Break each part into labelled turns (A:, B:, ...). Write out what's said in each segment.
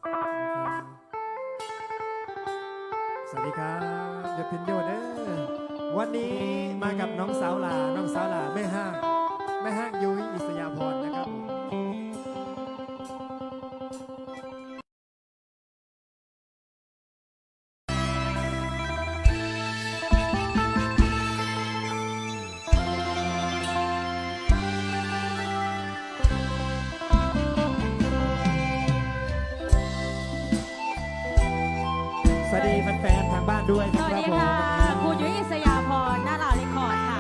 A: สวัสดีครับยศพินโยเด้อวันนี้มากับน้องสาวหลาแม่ห้างยุ้ยอิสยาพรนะครับสวัสดีแฟนๆทางบ้านด้วยนะ
B: ส
A: ค
B: วัส
A: รับ
B: ดี
A: ผม
B: ค่ะครูยุ้ยอิสยาพรหน้าลาวเรคคอร์ดค่ะ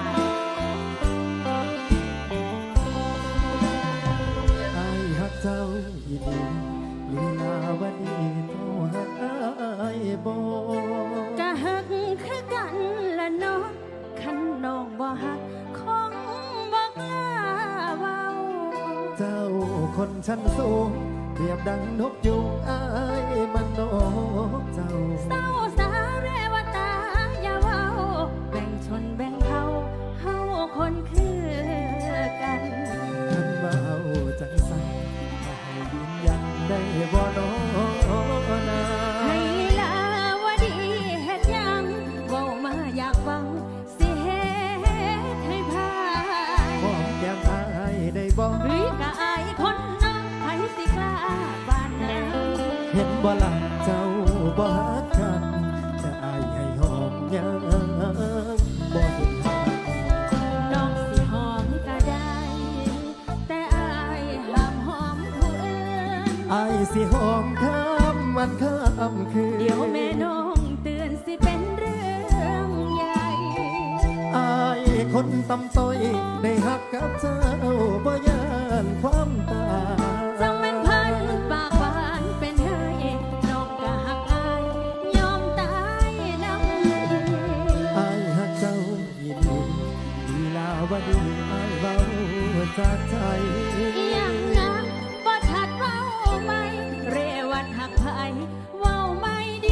A: ไอ้ฮักเจ้าอีหลีลีลาวดีโทหักไอ้โบ
B: กะฮักคือกันละเนาะคันน้องบ่ฮักคงบ่กล้าเว้า
A: เจ้าคนชั้นสูงเปรียบดังนกยุงไอ้มันนกเจ้า
B: เศร้าสาเรวตาอย่าเว้าแบ่งชนแบ่งเผ่าเฮาคนคือกัน
A: ท่านว่าเอาจังสันมาให้ยืนยันได้บ่น้อนา
B: ให้ลาวดีเฮ็ดหยังเว้ามาอยากฟังสิเฮ็ดให้พาย
A: หอมแก้มอายได้บ่
B: เฮ้ยกะอายคนน้องไผสิกล้าบานนั้น
A: เห็นบ่ล่ะเจ้าบ่ฮักกันจะอายให้หอมยังบ่เห็นทาง
B: น้องสิหอมก็ได้ แต่อายห้ามหอมผู้อื่น
A: อายสิหอมข้ามวันข้ามคืน
B: เดี๋ยวแม่น้องเตือนสิเป็นเรื่องใหญ่
A: อายคนตำต้อยได้ฮักกับเจ้าบ่ยานความตาย
B: จังแม่นพันปากหวานเป็นไห้น้องก็หักอายยอมตายน้ำ
A: อายฮักเจ้ายินดีลีลาวดีอายเว้าจากใจ
B: ยังนะบ่ชัดเว้าไหมเรวัดหักไผเว้าไม่ดี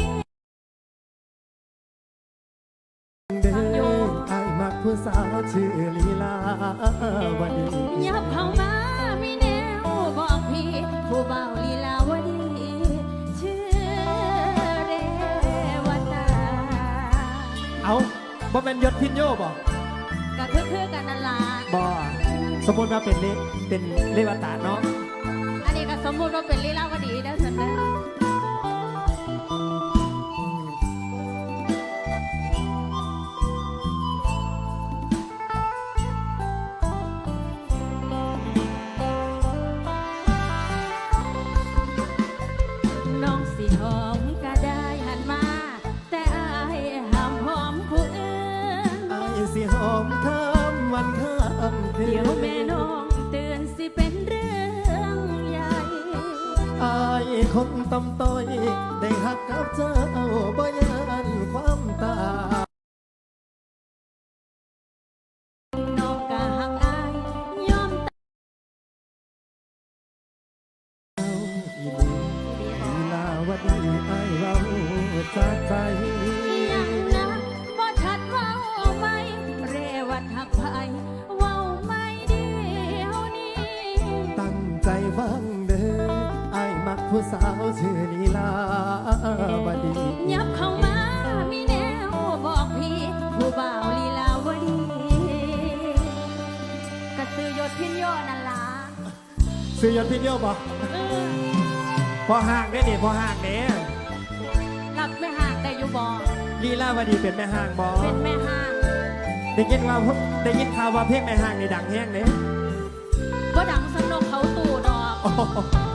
A: เด้ออายมักผู้สาวชื่อลีลาวดี
B: ยับเข้ามามีแนวบอกพี่ ผู้เบาลีลาวดีชื่อเรวตา
A: เอาบ่เป็นยศพินโยบ่
B: ก็คือกันนั่นล่ะ
A: บ่สมมติว่าเป็นเลวตาเนาะ
B: อันนี้ก็สมมุติว่าเป็นลีลาวดีนะสันเด้อน้องสิหอมก็ได้หันมา แต่อายห้ามหอมผู้อื่น
A: อายสิหอมข้ามวันข้ามคืน
B: เดี๋ยวแม่น้องเตือนสิเป็นเรื่องใหญ่
A: อายคนตำต้อยได้ฮักกับเจ้าบ่ยานความตาย
B: น้องก็หักอายยอมตาย
A: อีหลีลีลาวดีอายเว้าจากใจ
B: ยังนะบ่ชัดเว้าไหมเรวัดหักไผเว้าไม่เดียวนี้
A: ตั้งใจฟังเด้ออายมักผู้สาวชื่อลีลาวดี
B: ยับเข้ามามีแนวบอกพี่ ผู้บ่าวลีลาวดีกระตือยศพินโยนั่นล่ะ
A: ซื้อยศพินโยบ่
B: เออ
A: พอห่างได้นี่พอห่างเด้
B: รับแม่ห่างได้อยู่บ่
A: ลีลาวดีเป็นแม่ห่างบ่
B: เป็นแม่ห่าง
A: ได้ยินข่าวว่าเพลงแม่ห่างในดังแห้งเด้
B: บ่ดังสนกเขาตู่ดอก
A: โอ้โห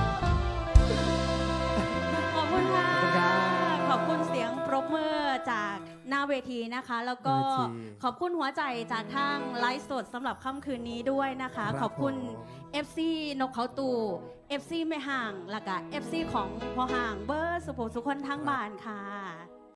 B: ขอบคุณค่ะ
A: ขอบคุณครับ
B: ขอบคุณเสียงปรบมือจากหน้าเวทีนะคะ แล้วก็
A: เวที
B: ขอบคุณหัวใจจากทางไลฟ์สดสำหรับค่ำคืนนี้ด้วยนะคะ
A: ครับ
B: ขอบคุณ
A: ผม
B: FC นกเขาตู่ FC ไม่ห่างแล้วก็ FC ของพอห่างเบอร์สุภสุคนทั้งบ้านค่ะ